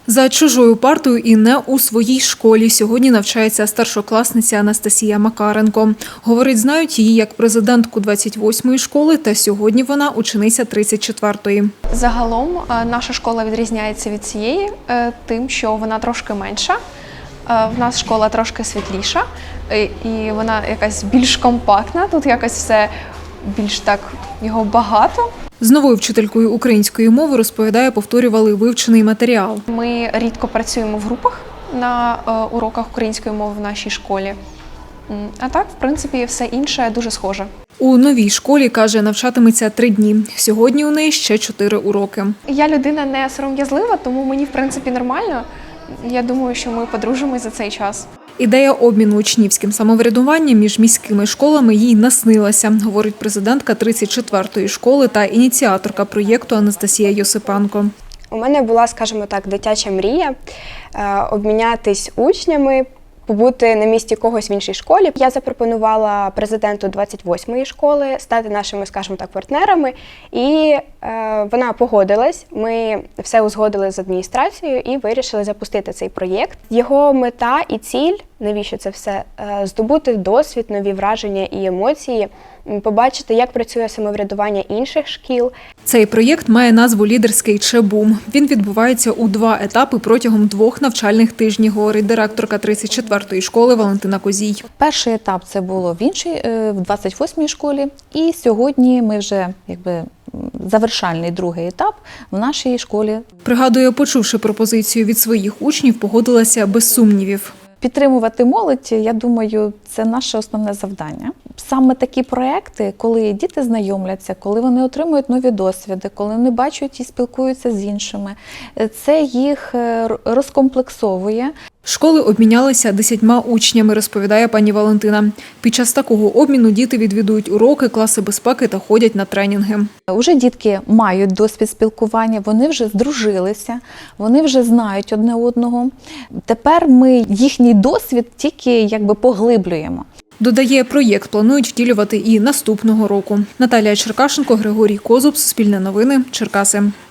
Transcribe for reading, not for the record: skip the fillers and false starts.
За чужою партою і не у своїй школі сьогодні навчається старшокласниця Анастасія Макаренко. Говорить, знають її як президентку 28-ї школи, та сьогодні вона учениця 34-ї. Загалом наша школа відрізняється від цієї тим, що вона трошки менша. В нас школа трошки світліша і вона якась більш компактна, тут якось все більш так його багато. З новою вчителькою української мови, розповідає, повторювали вивчений матеріал. Ми рідко працюємо в групах на уроках української мови в нашій школі. А так, в принципі, все інше дуже схоже. У новій школі, каже, навчатиметься 3 дні. Сьогодні у неї ще 4 уроки. Я людина не сором'язлива, тому мені, в принципі, нормально. Я думаю, що ми подружимось за цей час. Ідея обміну учнівським самоврядуванням між міськими школами їй наснилася, говорить президентка 34-ї школи та ініціаторка проєкту Анастасія Йосипенко. У мене була, скажімо так, дитяча мрія обмінятись учнями, побути на місці когось в іншій школі. Я запропонувала президенту 28-ї школи стати нашими, скажімо так, партнерами, і вона погодилась. Ми все узгодили з адміністрацією і вирішили запустити цей проєкт. Його мета і ціль, навіщо це все, здобути досвід, нові враження і емоції, побачити, як працює самоврядування інших шкіл. Цей проєкт має назву «Лідерський ЧБУМ». Він відбувається у 2 етапи протягом 2 навчальних тижнів, говорить директорка 34-ї школи Валентина Козій. Перший етап це було в 28-й школі, і сьогодні ми вже завершальний 2-й етап в нашій школі. Пригадує, почувши пропозицію від своїх учнів, погодилася без сумнівів. Підтримувати молодь, я думаю, це наше основне завдання. Саме такі проекти, коли діти знайомляться, коли вони отримують нові досвіди, коли вони бачать і спілкуються з іншими, це їх розкомплексовує. Школи обмінялися 10 учнями, розповідає пані Валентина. Під час такого обміну діти відвідують уроки, класи безпеки та ходять на тренінги. Уже дітки мають досвід спілкування, вони вже здружилися, вони вже знають одне одного. Тепер ми їхній досвід тільки поглиблюємо. Додає, проєкт планують втілювати і наступного року. Наталія Черкашенко, Григорій Козуб, Суспільне новини, Черкаси.